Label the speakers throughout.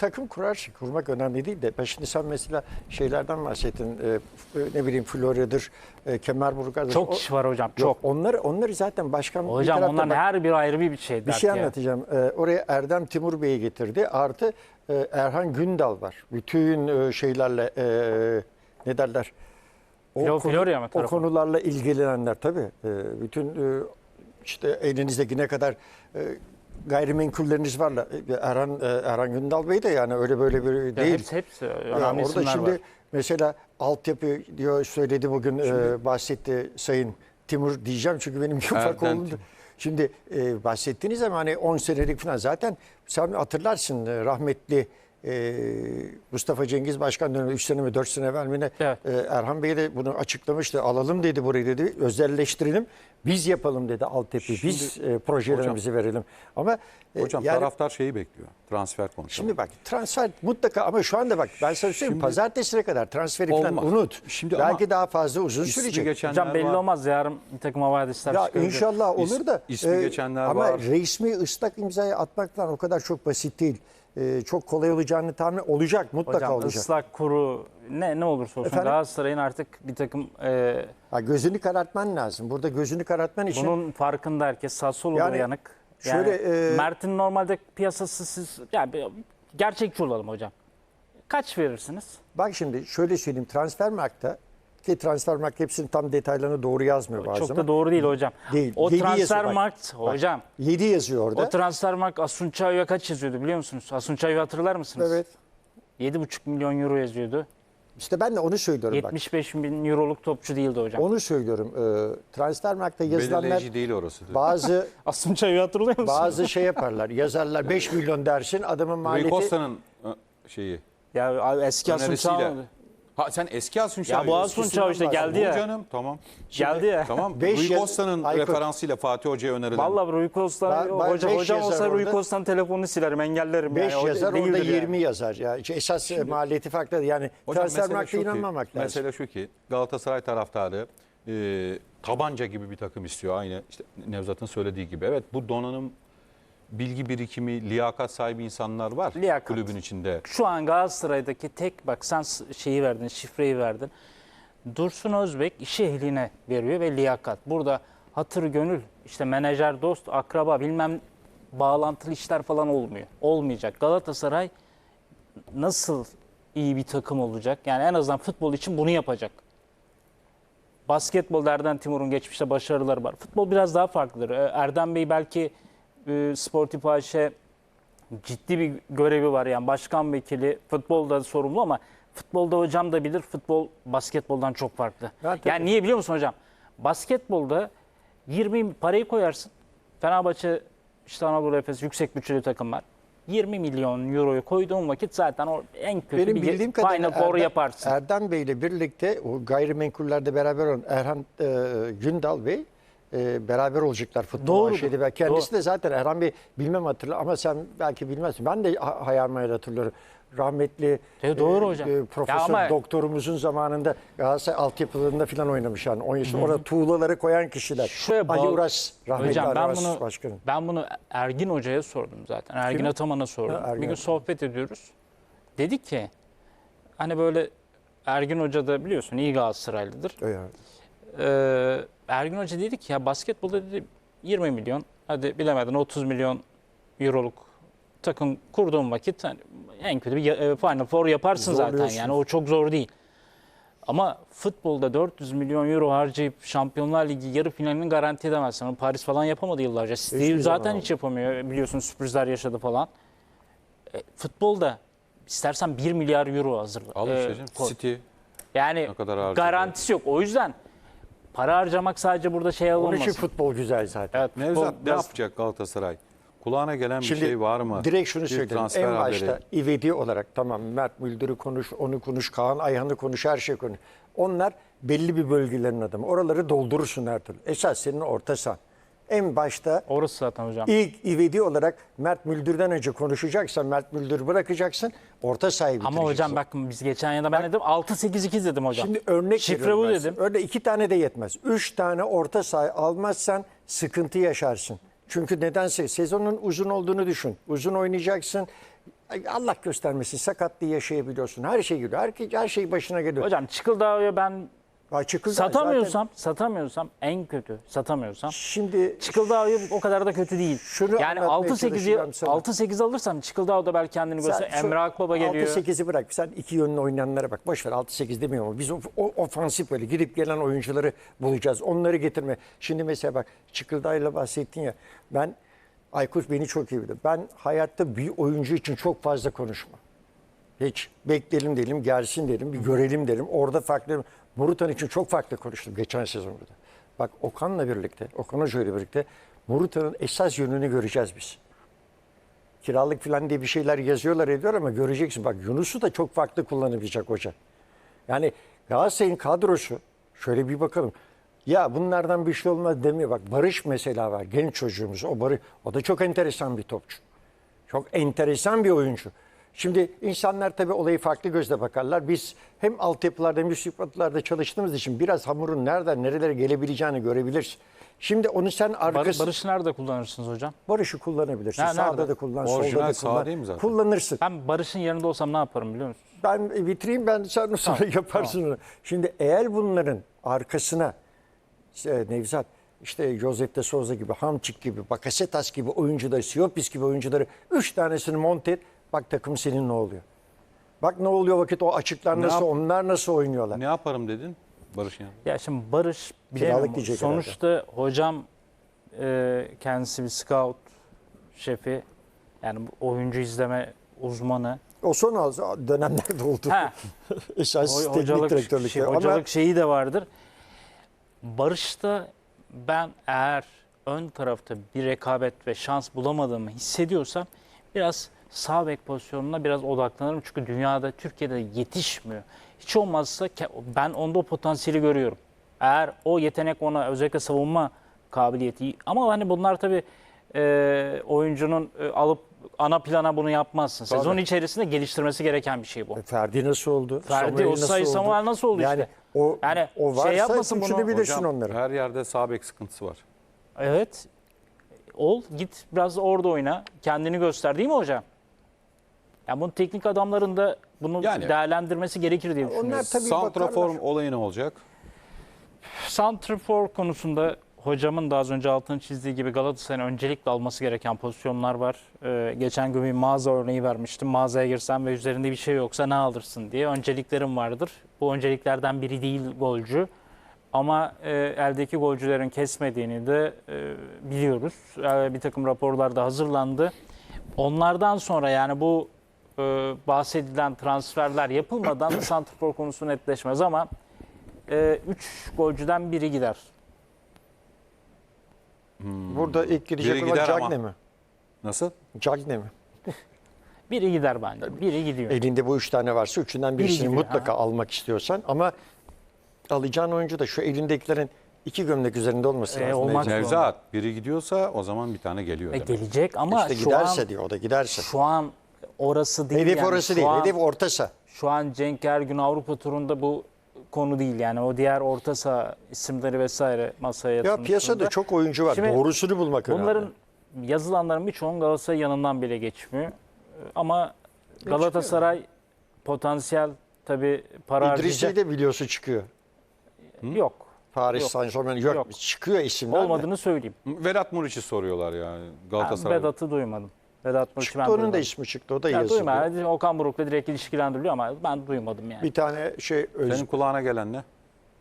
Speaker 1: takım kurarsın. Kurmak önemli değil de. Şimdi sen mesela şeylerden bahsettin. Ne bileyim Florya'dır, Kemerburgaz'dır.
Speaker 2: Çok kişi var hocam.
Speaker 1: Yok,
Speaker 2: Çok.
Speaker 1: onları zaten başkan bir
Speaker 2: Hocam
Speaker 1: tarafta
Speaker 2: onların her bir ayrı bir şey.
Speaker 1: bir şey anlatacağım. Oraya Erdem Timur Bey'i getirdi. Artı Erhan Gündal var. Bütün şeylerle ne derler?
Speaker 2: Florya mı
Speaker 1: o
Speaker 2: tarafı?
Speaker 1: konularla ilgilenenler tabii. Bütün işte elinizdeki ne kadar gayrimenkulleriniz var. Erhan Gündal Bey de yani öyle böyle bir değil.
Speaker 2: Hepsi
Speaker 1: Ya
Speaker 2: önemli
Speaker 1: orada
Speaker 2: isimler
Speaker 1: şimdi
Speaker 2: var.
Speaker 1: mesela altyapı diyor söyledi bugün bahsetti Sayın Timur diyeceğim çünkü benim ufak oğlum. Şimdi bahsettiğiniz zaman hani 10 senelik falan zaten sen hatırlarsın rahmetli Mustafa Cengiz Başkan dönemi 3 sene mi 4 sene evvel mi ne
Speaker 2: Evet.
Speaker 1: Erhan Bey de bunu açıklamıştı. Alalım dedi burayı dedi. Özelleştirelim. Biz yapalım dedi altyapıyı. Biz projelerimizi verelim. Ama
Speaker 3: Hocam
Speaker 1: yani,
Speaker 3: taraftar şeyi bekliyor. Transfer konusunda.
Speaker 1: şimdi bak transfer mutlaka ama şu anda bak ben sana söyleyeyim pazartesine kadar transferi falan
Speaker 3: Olmaz.
Speaker 1: unut.
Speaker 3: Şimdi
Speaker 1: belki
Speaker 3: ama
Speaker 1: daha fazla uzun
Speaker 3: ismi
Speaker 1: sürecek.
Speaker 3: geçenler
Speaker 2: Hocam belli
Speaker 3: var.
Speaker 2: olmaz. Yarın bir takım havadisler
Speaker 1: Ya
Speaker 2: çıkabilir.
Speaker 1: inşallah olur da
Speaker 3: ismi geçenler
Speaker 1: ama
Speaker 3: var.
Speaker 1: resmi ıslak imzayı atmaktan o kadar çok basit değil. Çok kolay olacağını tahmin olacak mutlaka
Speaker 2: Hocam
Speaker 1: olacak.
Speaker 2: ıslak kuru ne olursa olsun
Speaker 1: Efendim?
Speaker 2: Galatasaray'ın artık bir takım
Speaker 1: Ha, gözünü karartman lazım. Burada gözünü karartman için
Speaker 2: bunun farkında herkes. Sassuolo
Speaker 1: Yani
Speaker 2: yanık.
Speaker 1: şöyle,
Speaker 2: Mert'in normalde piyasası siz yani gerçekçi olalım hocam. Kaç verirsiniz?
Speaker 1: bak şimdi şöyle söyleyeyim Transfermarkt'ta ki Transfermarkt hepsinin tam detaylarını doğru yazmıyor bazen.
Speaker 2: Çok da doğru değil hocam.
Speaker 1: Değil.
Speaker 2: O
Speaker 1: 7 yazıyor, bak.
Speaker 2: Transfermarkt hocam.
Speaker 1: 7 yazıyor orada.
Speaker 2: O Transfermarkt Asuncay'a kaç yazıyordu biliyor musunuz? Asuncay'ı hatırlar mısınız?
Speaker 1: Evet.
Speaker 2: 7,5 milyon euro yazıyordu.
Speaker 1: İşte ben de onu söylüyorum bak.
Speaker 2: 75 bin euroluk topçu değildi hocam.
Speaker 1: Onu söylüyorum. Transfermarkt'ta yazılanlar
Speaker 3: Belirleyici değil orası. diyor.
Speaker 1: bazı
Speaker 2: Asuncay'ı hatırlıyor musunuz?
Speaker 1: bazı şey yaparlar. Yazarlar 5 milyon dersin adamın
Speaker 3: Rui
Speaker 1: maliyeti.
Speaker 3: Costa'nın şeyi.
Speaker 2: Ya abi eski
Speaker 3: Önerisiyle.
Speaker 2: Asuncay.
Speaker 3: Ha sen eski Asunçay.
Speaker 2: Ya bu Asuncay işte geldi ya.
Speaker 3: Canım tamam.
Speaker 2: Geldi ya.
Speaker 3: Tamam.
Speaker 1: Beş
Speaker 3: Rui
Speaker 1: yaz-
Speaker 3: Costa'nın
Speaker 1: Aykut.
Speaker 3: referansıyla Fatih Hoca'ya önerilen.
Speaker 2: Vallahi Rui Costa
Speaker 1: Beş
Speaker 2: hocam olsa
Speaker 1: yazar
Speaker 2: Rui
Speaker 1: orada.
Speaker 2: Costa'nın telefonunu silerim, engellerim.
Speaker 1: 5
Speaker 2: yani. O
Speaker 1: yazar orada
Speaker 2: değildir
Speaker 1: 20
Speaker 2: yani.
Speaker 1: yazar. Ya esas maliyeti farklı. Yani
Speaker 3: Hocam mesele
Speaker 1: Transfermarkt'a
Speaker 3: şu ki-
Speaker 1: inanmamak lazım.
Speaker 3: Mesele şu ki Galatasaray taraftarı tabanca gibi bir takım istiyor. Aynı işte Nevzat'ın söylediği gibi. Evet bu donanım, bilgi birikimi, liyakat sahibi insanlar var
Speaker 2: Liyakat.
Speaker 3: kulübün içinde.
Speaker 2: Şu an Galatasaray'daki tek bak sen şeyi verdin, şifreyi verdin. Dursun Özbek işi ehline veriyor ve liyakat. Burada hatır gönül işte menajer, dost, akraba bilmem bağlantılı işler falan olmuyor. Olmayacak. Galatasaray nasıl iyi bir takım olacak? Yani en azından futbol için bunu yapacak. Basketbolda Erdem Timur'un geçmişte başarıları var. Futbol biraz daha farklıdır. Erdem Bey belki Sportif AŞ ciddi bir görevi var. Yani başkan vekili futbolda sorumlu ama futbolda hocam da bilir. Futbol basketboldan çok farklı. Yani niye biliyor musun hocam? Basketbolda 20 parayı koyarsın. Fenerbahçe, işte Anadolu Efes yüksek bütçeli takımlar. 20 milyon euroyu koyduğun vakit zaten o en kötü
Speaker 1: Benim
Speaker 2: bir
Speaker 1: bildiğim
Speaker 2: Final
Speaker 1: kadarıyla
Speaker 2: Four yaparsın.
Speaker 1: Erdem Bey ile birlikte o gayrimenkullerde beraber olan Erhan Gündal Bey beraber olacaklar futbol
Speaker 2: Doğru.
Speaker 1: AŞ'de ve kendisi de zaten Erhan Bey bilmem hatırlar ama sen belki bilmezsin. Ben de hayal meyal hatırlıyorum. Rahmetli
Speaker 2: Doğru hocam.
Speaker 1: profesör
Speaker 2: Ya ama-
Speaker 1: doktorumuzun zamanında Galatasaray altyapılarında falan oynamış yani. 10 yaşında orada tuğlaları koyan kişiler.
Speaker 2: Şuraya
Speaker 1: Ali
Speaker 2: bağlı-
Speaker 1: Uras, rahmetli
Speaker 2: Hocam
Speaker 1: Ali
Speaker 2: ben
Speaker 1: Uras
Speaker 2: bunu
Speaker 1: başkanım.
Speaker 2: ben bunu Ergin Hoca'ya sordum zaten. Ergin
Speaker 1: Kime?
Speaker 2: Ataman'a sordum.
Speaker 1: Ha, Ergin
Speaker 2: Bir gün
Speaker 1: Ataman.
Speaker 2: sohbet ediyoruz. Dedi ki hani böyle Ergin Hoca da biliyorsun iyi Galatasaraylıdır.
Speaker 1: Yani.
Speaker 2: Ergin Hoca dedi ki ya basketbolda dedi 20 milyon hadi bilemedin 30 milyon euroluk takım kurduğun vakit hani en kötü bir Final Four yaparsın zaten
Speaker 1: Zorluyorsun.
Speaker 2: yani o çok zor değil. Ama futbolda 400 milyon euro harcayıp Şampiyonlar Ligi yarı finalini garanti edemezsin. Onu Paris falan yapamadı yıllarca. Steve
Speaker 1: Hiçbir
Speaker 2: zaten
Speaker 1: zaman
Speaker 2: hiç yapamıyor. Biliyorsun sürprizler yaşadı falan. Futbolda istersen 1 milyar euro hazırla.
Speaker 3: Al işte canım.
Speaker 2: koy.
Speaker 3: City
Speaker 2: Yani
Speaker 3: ne kadar harcadı?
Speaker 2: garantisi yok. O yüzden para harcamak sadece burada şey
Speaker 1: Onun
Speaker 2: olmasın.
Speaker 1: için futbol güzel zaten.
Speaker 2: Evet, futbol
Speaker 3: Nevzat ne
Speaker 2: biraz-
Speaker 3: yapacak Galatasaray? Kulağına gelen bir
Speaker 1: Şimdi
Speaker 3: şey var mı?
Speaker 1: direkt şunu
Speaker 3: Bir
Speaker 1: söyleyeyim.
Speaker 3: transfer
Speaker 1: En
Speaker 3: haberi.
Speaker 1: başta ivedi olarak tamam Mert Müldür'ü konuş, onu konuş, Kaan Ayhan'ı konuş, her şey konuş. Onlar belli bir bölgelerin adamı. Oraları doldurursun her türlü. Esas senin orta sahan. En başta
Speaker 2: Orası zaten hocam.
Speaker 1: ilk ivedi olarak Mert Müldür'den önce konuşacaksan Mert Müldür'ü bırakacaksın. Orta sahayı
Speaker 2: Ama
Speaker 1: bitireceksin.
Speaker 2: hocam bakın biz geçen yılda ben dedim 6-8-2 dedim hocam.
Speaker 1: Şimdi örnek
Speaker 2: Şifre
Speaker 1: veriyorum
Speaker 2: bu
Speaker 1: ben
Speaker 2: dedim.
Speaker 1: size. Öyle 2 tane de yetmez. 3 tane orta saha almazsan sıkıntı yaşarsın. Çünkü nedense sezonun uzun olduğunu düşün. Uzun oynayacaksın. Allah göstermesin sakatlığı yaşayabiliyorsun. Her şey geliyor. Her şey başına geliyor.
Speaker 2: Hocam Çıkıldağ'ı ben satamıyorsam en kötü satamıyorsam
Speaker 1: şimdi
Speaker 2: Çıkıldağ'ı o kadar da kötü değil.
Speaker 1: Şunu
Speaker 2: Yani
Speaker 1: anlatmaya çalışacağım sana.
Speaker 2: 6-8 alırsam Çıkıldağ da belki kendini göster. Emre Akbaba geliyor.
Speaker 1: 6-8'i bırak. Sen iki yönlü oynayanlara bak. Boş ver 6-8 demiyorum ama biz o ofansif böyle gidip gelen oyuncuları bulacağız. Onları getirme. Şimdi mesela bak Çıkıldağ'la bahsettin ya. Aykut beni çok iyi bilir. Ben hayatta bir oyuncu için çok fazla konuşmam. Hiç bekleyelim derim, gelsin derim, bir görelim derim. Orada farklı. Morutan için çok farklı konuştum geçen sezon burada. Bak Okan'la birlikte, Okan Hoca ile birlikte Morutan'ın esas yönünü göreceğiz biz. Kiralık falan diye bir şeyler yazıyorlar ediyor ama göreceksin. Bak Yunus'u da çok farklı kullanabilecek hoca. Yani Galatasaray'ın kadrosu şöyle bir bakalım. Ya bunlardan bir şey olmaz demiyor. Bak Barış mesela var. Genç çocuğumuz. O da çok enteresan bir topçu. Çok enteresan bir oyuncu. Şimdi insanlar tabii olayı farklı gözle bakarlar. Biz hem altyapılarda hem üst yapılarda çalıştığımız için biraz hamurun nereden nerelere gelebileceğini görebiliriz. Şimdi onu sen arkası...
Speaker 2: Barış'ı nerede kullanırsınız hocam?
Speaker 1: Barış'ı kullanabilirsin.
Speaker 2: Ha,
Speaker 1: Sağda
Speaker 2: nerede?
Speaker 1: da kullan,
Speaker 3: Orijinal
Speaker 1: solda da
Speaker 3: sağ
Speaker 1: kullan.
Speaker 3: değil mi zaten?
Speaker 1: Kullanırsın.
Speaker 2: Ben Barış'ın yerinde olsam ne yaparım biliyor musun?
Speaker 1: Ben bitireyim sen sonra yaparsın onu. Şimdi eğer bunların arkasına Nevzat işte Josep de Souza gibi, Hamçik gibi, Bakasetas gibi oyuncuları, Siopis gibi oyuncuları 3 tanesini monte et. Bak takım senin ne oluyor? Bak ne oluyor vakit o açıklar nasıl, onlar nasıl oynuyorlar?
Speaker 3: Ne yaparım dedin Barış'ın yanında?
Speaker 2: Ya şimdi Barış
Speaker 1: Kiralık
Speaker 2: bilemiyorum.
Speaker 1: diyecek
Speaker 2: Sonuçta hocam kendisi bir scout şefi. Yani bu oyuncu izleme uzmanı.
Speaker 1: O son dönemlerde oldu.
Speaker 2: Ha,
Speaker 1: Esas teknik
Speaker 2: hocalık,
Speaker 1: direktörlükte.
Speaker 2: hocalık şeyi de vardır. Barış'ta ben eğer ön tarafta bir rekabet ve şans bulamadığımı hissediyorsam biraz sağ bek pozisyonuna biraz odaklanırım. Çünkü dünyada, Türkiye'de yetişmiyor. Hiç olmazsa ben onda o potansiyeli görüyorum. Eğer o yetenek ona özellikle savunma kabiliyeti ama hani bunlar tabii oyuncunun alıp ana plana bunu yapmazsın.
Speaker 1: Tabii.
Speaker 2: Sezon içerisinde geliştirmesi gereken bir şey bu.
Speaker 1: Ferdi nasıl oldu?
Speaker 2: Ferdi,
Speaker 1: Samuel
Speaker 2: Osayi,
Speaker 1: nasıl oldu?
Speaker 2: Samuel nasıl oldu
Speaker 1: yani
Speaker 2: işte?
Speaker 1: O varsa
Speaker 2: şey yapmasın bunu.
Speaker 1: düşünebilirsin
Speaker 3: Hocam,
Speaker 1: onları.
Speaker 3: her yerde sağ bek sıkıntısı var.
Speaker 2: Evet. Git biraz orada oyna. Kendini göster değil mi hocam? Yani bunun teknik adamların da bunu
Speaker 3: Yani-
Speaker 2: değerlendirmesi gerekir diye düşünüyorum.
Speaker 1: Onlar tabii
Speaker 3: Santrafor
Speaker 1: bakarlar.
Speaker 3: olayı ne olacak?
Speaker 2: Santrafor konusunda hocamın da az önce altını çizdiği gibi Galatasaray'ın öncelikle alması gereken pozisyonlar var. Geçen gün bir mağaza örneği vermiştim. Mağazaya girsen ve üzerinde bir şey yoksa ne alırsın diye önceliklerim vardır. Bu önceliklerden biri değil golcü. Ama eldeki golcülerin kesmediğini de biliyoruz. Bir takım raporlar da hazırlandı. Onlardan sonra yani bu bahsedilen transferler yapılmadan santrafor konusu netleşmez ama 3 golcüden biri gider.
Speaker 1: Burada ilk girecek
Speaker 3: Biri
Speaker 1: olan
Speaker 3: gider ama.
Speaker 1: Cagne mi?
Speaker 3: Nasıl?
Speaker 1: Cagne mi?
Speaker 2: Biri gider bence. Biri gidiyor.
Speaker 1: Elinde bu 3 tane varsa üçünden
Speaker 2: Biri
Speaker 1: birisini
Speaker 2: gidiyor,
Speaker 1: mutlaka almak istiyorsan ama alacağın oyuncu da şu elindekilerin 2 gömlek üzerinde olması lazım.
Speaker 2: olmak zorunda.
Speaker 3: Nevzat biri gidiyorsa o zaman bir tane geliyor demek.
Speaker 2: Gelecek ama
Speaker 1: İşte
Speaker 2: şu
Speaker 1: giderse
Speaker 2: an
Speaker 1: diyor o da giderse.
Speaker 2: şu an orası değil.
Speaker 1: Hedef
Speaker 2: yani.
Speaker 1: orası
Speaker 2: Şu
Speaker 1: değil.
Speaker 2: an-
Speaker 1: Hedef orta saha.
Speaker 2: Şu an Cenk Ergün Avrupa turunda bu konu değil yani o diğer orta saha isimleri vesaire masaya
Speaker 1: Ya
Speaker 2: yatırmış
Speaker 1: piyasada
Speaker 2: durumda.
Speaker 1: çok oyuncu var.
Speaker 2: Şimdi
Speaker 1: Doğrusunu bulmak önemli.
Speaker 2: Bunların yazılanların birçoğunun Galatasaray yanından bile geçmiyor. Ama Galatasaray potansiyel tabii para
Speaker 1: İdrisi'yi
Speaker 2: harcayacak.
Speaker 1: de biliyorsun çıkıyor.
Speaker 2: Yok.
Speaker 1: Paris
Speaker 2: Yok.
Speaker 1: Saint-Germain yok.
Speaker 2: Yok.
Speaker 1: Çıkıyor isimler. de.
Speaker 2: Olmadığını söyleyeyim.
Speaker 3: Vedat Muriç'i soruyorlar yani
Speaker 2: Ben
Speaker 3: Galatasaray.
Speaker 2: Vedat'ı duymadım. Vedat Muriç'i ben
Speaker 1: Çıktı onun da
Speaker 2: duymadım.
Speaker 1: ismi çıktı. O da
Speaker 2: Ya
Speaker 1: yazılıyor.
Speaker 2: duymadım. Okan Buruk'la direkt ilişkilendiriliyor ama ben duymadım yani.
Speaker 1: Bir tane
Speaker 3: Senin kulağına gelen ne?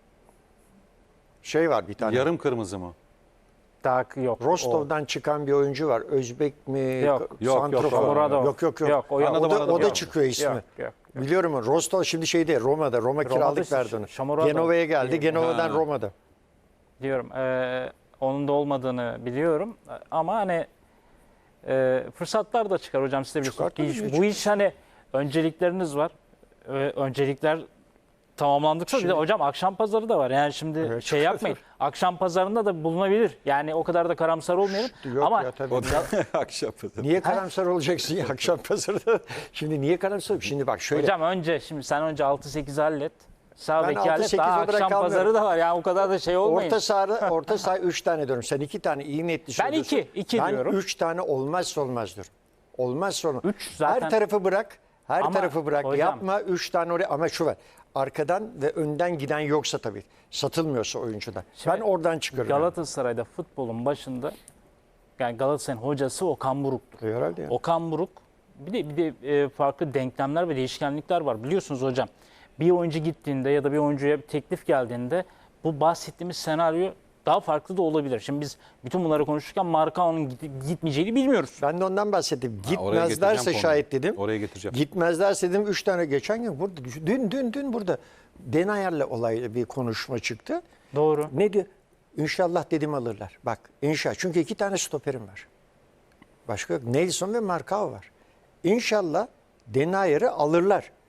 Speaker 1: şey var bir tane.
Speaker 3: Yarım kırmızı mı?
Speaker 2: Daha yok.
Speaker 1: Rostov'dan çıkan bir oyuncu var. Özbek mi?
Speaker 2: Yok.
Speaker 1: Santrofor.
Speaker 2: Shomurodov.
Speaker 1: Yok.
Speaker 2: Yok, o yok.
Speaker 3: Anladım.
Speaker 1: O da çıkıyor ismi.
Speaker 2: Yok.
Speaker 1: Biliyorum onu. Rostov şimdi şeyde Roma'da. Roma kiralık verdi onu.
Speaker 2: Shomurodov.
Speaker 1: Genova'ya geldi. Genova'dan
Speaker 3: Ha.
Speaker 1: Roma'da.
Speaker 2: Diyorum. Onun da olmadığını biliyorum. Ama hani fırsatlar da çıkar hocam size bir
Speaker 1: Çıkar tabii,
Speaker 2: Bu
Speaker 1: çıkar.
Speaker 2: iş hani öncelikleriniz var. Öncelikler tamamlandıkça bir de hocam akşam pazarı da var. Yani şimdi
Speaker 1: Evet,
Speaker 2: şey
Speaker 1: çıkar
Speaker 2: yapmayın. Akşam pazarında da bulunabilir. Yani o kadar da karamsar olmayalım.
Speaker 1: Yok
Speaker 2: ama
Speaker 1: ya tabii.
Speaker 3: O da akşam.
Speaker 1: Niye karamsar olacaksın ya akşam pazarda? Şimdi niye karamsar? Şimdi bak şöyle.
Speaker 2: hocam sen önce 6-8 hallet. Sağ
Speaker 1: Ben
Speaker 2: beki hallet.
Speaker 1: 6-8'e
Speaker 2: Daha akşam
Speaker 1: bırakamıyorum.
Speaker 2: pazarı da var. Yani o kadar da şey olmayın.
Speaker 1: Orta saha 3 tane diyorum. Sen 2 tane iyi niyetli
Speaker 2: Ben
Speaker 1: söylüyorsun.
Speaker 2: iki
Speaker 1: Ben
Speaker 2: diyorum.
Speaker 1: 3 tane olmazsa olmaz diyorum. Olmaz sonra.
Speaker 2: Üç zaten-
Speaker 1: Her tarafı bırak. Her
Speaker 2: Ama
Speaker 1: tarafı bırak.
Speaker 2: hocam-
Speaker 1: Yapma 3 tane oraya, ama şu var. Arkadan ve önden giden yoksa tabii. Satılmıyorsa oyuncudan. Ben oradan çıkarıyorum.
Speaker 2: Galatasaray'da futbolun başında yani Galatasaray'ın hocası Okan Buruk'tur.
Speaker 1: Herhalde ya.
Speaker 2: Okan Buruk bir de farklı denklemler ve değişkenlikler var. Biliyorsunuz hocam, bir oyuncu gittiğinde ya da bir oyuncuya bir teklif geldiğinde bu bahsettiğimiz senaryo daha farklı da olabilir. Şimdi biz bütün bunları konuşurken Marcao'nun gitmeyeceğini bilmiyoruz.
Speaker 1: Ben de ondan bahsettim.
Speaker 3: oraya
Speaker 1: Gitmezlerse
Speaker 3: getireceğim
Speaker 1: şayet
Speaker 3: konuyu.
Speaker 1: dedim.
Speaker 3: Oraya getireceğim.
Speaker 1: Gitmezlerse dedim 3 tane geçen gün burada dün burada Denayer'le olaylı bir konuşma çıktı.
Speaker 2: Doğru.
Speaker 1: Ne diyor? İnşallah dedim alırlar. Bak inşallah. Çünkü 2 tane stoperim var. Başka yok. Nelson ve Marcao var. İnşallah Denayer'i alırlar.